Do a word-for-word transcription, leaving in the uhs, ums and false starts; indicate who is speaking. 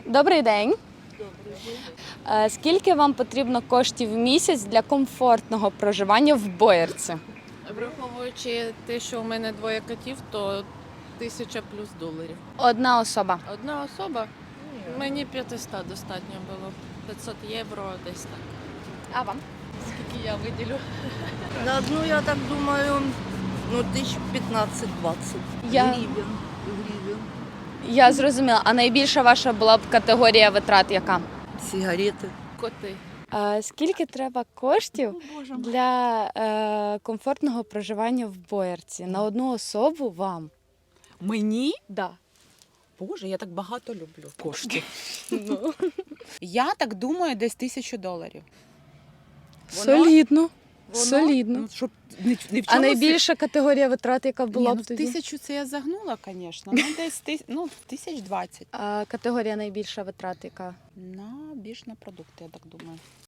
Speaker 1: Добрий день. Е, Скільки вам потрібно коштів в місяць для комфортного проживання в Боярці?
Speaker 2: Враховуючи те, що у мене двоє котів, то тисяча плюс доларів.
Speaker 1: Одна особа.
Speaker 2: Одна особа, мені п'ятсот достатньо було. п'ятсот євро десь так.
Speaker 1: А вам?
Speaker 2: Скільки я виділю?
Speaker 3: На одну, я так думаю, ну, тысяч пятнадцать-двадцать
Speaker 1: Я-
Speaker 3: гривен. гривен.
Speaker 1: Я зрозуміла. А найбільша ваша була б категорія витрат яка?
Speaker 3: Сигареты.
Speaker 2: Коти.
Speaker 1: Е, Скільки треба коштів
Speaker 3: Боже мой.
Speaker 1: для е, комфортного проживання в Боярці? На одну особу вам?
Speaker 4: Мені?
Speaker 1: Да.
Speaker 4: Боже, я так багато люблю коштів. Я так думаю, десь тисячу доларів. Воно-
Speaker 1: Солідно.
Speaker 4: Воно,
Speaker 1: Солідно.
Speaker 4: Ну, щоб не, не в
Speaker 1: А
Speaker 4: чомусь-
Speaker 1: найбільша категорія витрат, яка
Speaker 4: Ні,
Speaker 1: була
Speaker 4: ну,
Speaker 1: б
Speaker 4: в
Speaker 1: тоді?
Speaker 4: тисячу це я загнула, звісно. Ну, десь тис... ну, тисяч двадцять.
Speaker 1: А категорія найбільша витрат, яка?
Speaker 4: На більш на продукти, я так думаю.